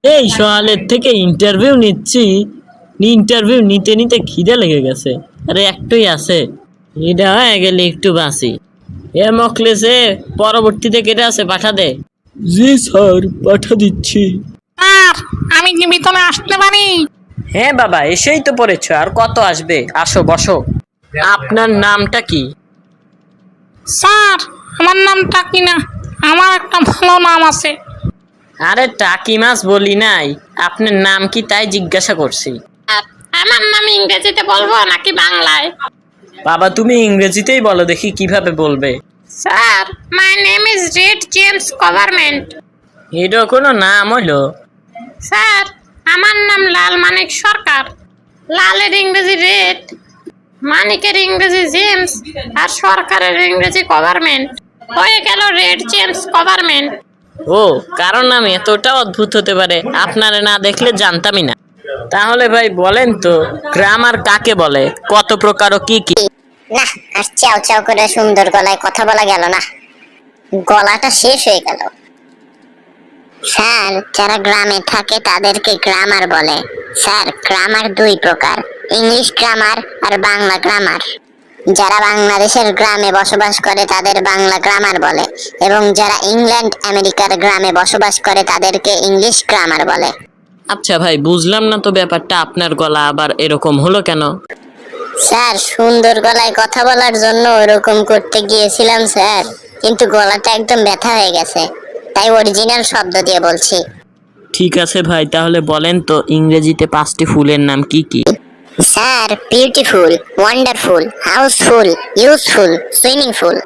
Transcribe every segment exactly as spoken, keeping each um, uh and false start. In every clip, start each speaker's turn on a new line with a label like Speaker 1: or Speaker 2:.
Speaker 1: এই সকালের থেকে ইন্টারভিউ নিচ্ছি, ইন্টারভিউ নিতে নিতে খিদে লেগে গেছে। আরে একটুই আছে, এটা হয়ে গেলে একটু বাঁচি। এ মকলেসে পরবর্তীতে কেটে আছে, পাঠা দে। জি স্যার, পাঠা দিচ্ছি।
Speaker 2: স্যার, আমি কি ভিতরে আসতে পারি?
Speaker 1: হ্যাঁ বাবা, এসেই তো পড়েছ, আর কত আসবে? আসো বসো। আপনার নামটা কি?
Speaker 2: স্যার, আমার নাম টাকি না, আমার একটা ভালো নাম আছে।
Speaker 1: আরে টাকি মাছ বলি নাই, আপনার নাম কি তাই জিজ্ঞাসা করছি।
Speaker 2: আমার নাম ইংরেজিতে বলবো নাকি বাংলায়?
Speaker 1: বাবা তুমি ইংরেজিতেই বলো দেখি কিভাবে বলবে।
Speaker 2: Sir, my name is Red James government.
Speaker 1: এটা কোনো নাম হলো?
Speaker 2: স্যার, আমার নাম লাল মানিক সরকার। লালের ইংরেজি রেড, মানিকের ইংরেজি জেমস, আর সরকারের ইংরেজি গভর্নমেন্ট, হয়ে গেল রেড জেমস গভর্নমেন্ট।
Speaker 1: ও, কারণ নাম এতটা অদ্ভুত হতে পারে, আপনারে না দেখলে জানতামই না। তাহলে ভাই বলেন তো, গ্রামার কাকে বলে, কত প্রকার ও কি কি?
Speaker 3: না, আর চাও চাও করে সুন্দর গলায় কথা বলা গেল না, গলাটা শেষ হয়ে গেল। স্যার, যারা গ্রামে থাকে তাদেরকে গ্রামার বলে। স্যার, গ্রামার দুই প্রকার, ইংলিশ গ্রামার আর বাংলা গ্রামার। যারা বাংলাদেশের গ্রামে বসবাস করে তাদের বাংলা গ্রামার বলে, এবং যারা ইংল্যান্ড আমেরিকার গ্রামে বসবাস করে তাদেরকে ইংলিশ গ্রামার বলে।
Speaker 1: আচ্ছা ভাই, বুঝলাম না তো ব্যাপারটা, আপনার গলা আবার এরকম হলো কেন?
Speaker 3: স্যার, সুন্দর গলায় কথা বলার জন্য ওরকম করতে গিয়েছিলাম স্যার, কিন্তু গলাটা একদম ব্যথা হয়ে গেছে, তাই অরিজিনাল শব্দ দিয়ে বলছি।
Speaker 1: ঠিক আছে ভাই, তাহলে বলেন তো ইংরেজিতে পাঁচটি ফুলের নাম কি কি?
Speaker 3: Sir, beautiful, wonderful, housefull, useful, swimmingful.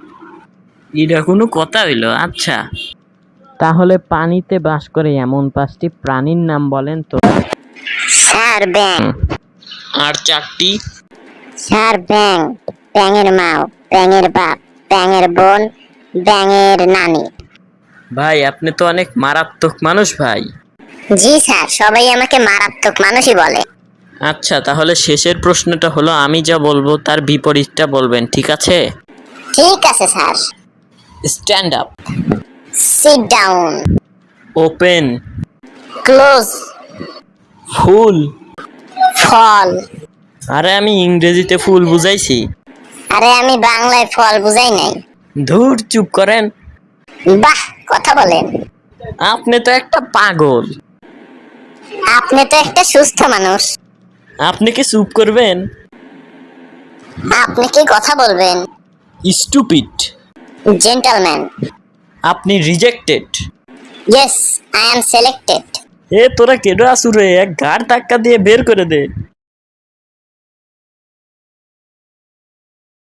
Speaker 1: এটা কোনো কথা হইলো? আচ্ছা, তাহলে পানিতে বাস করে এমন পাঁচটি প্রাণীর নাম বলেন তো।
Speaker 3: স্যার, ব্যাং।
Speaker 1: আর চারটি?
Speaker 3: স্যার, ব্যাং, ব্যাঙের মাও, ব্যাঙের বাপ, ব্যাঙের বোন, ব্যাঙের নানি।
Speaker 1: ভাই আপনি তো অনেক মারাত্মক মানুষ ভাই।
Speaker 3: জি স্যার, সবাই আমাকে মারাত্মক মানুষই বলে।
Speaker 1: আচ্ছা, তাহলে শেষের প্রশ্নটা হলো, আমি যা বলবো তার বিপরীতটা বলবেন, ঠিক আছে?
Speaker 3: ঠিক আছে sir.
Speaker 1: Stand up.
Speaker 3: Sit down.
Speaker 1: Open.
Speaker 3: Close.
Speaker 1: Full.
Speaker 3: Fall.
Speaker 1: আরে আমি ইংরেজিতে ফুল বুঝাইছি।
Speaker 3: আরে আমি বাংলায় ফল বুঝাই নাই।
Speaker 1: ধুর, চুপ করেন।
Speaker 3: বাহ, কথা বলেন।
Speaker 1: আপনি তো একটা পাগল।
Speaker 3: আপনি তো একটা সুস্থ মানুষ।
Speaker 1: আপনি কি চুপ করবেন?
Speaker 3: আপনি কি কথা বলবেন?
Speaker 1: স্টুপিড।
Speaker 3: জেন্টলম্যান।
Speaker 1: আপনি rejected.
Speaker 3: Yes, I am selected.
Speaker 1: এ তোরা কেডো আসুরে, এক ঘাড় ধাক্কা দিয়ে বের করে দে।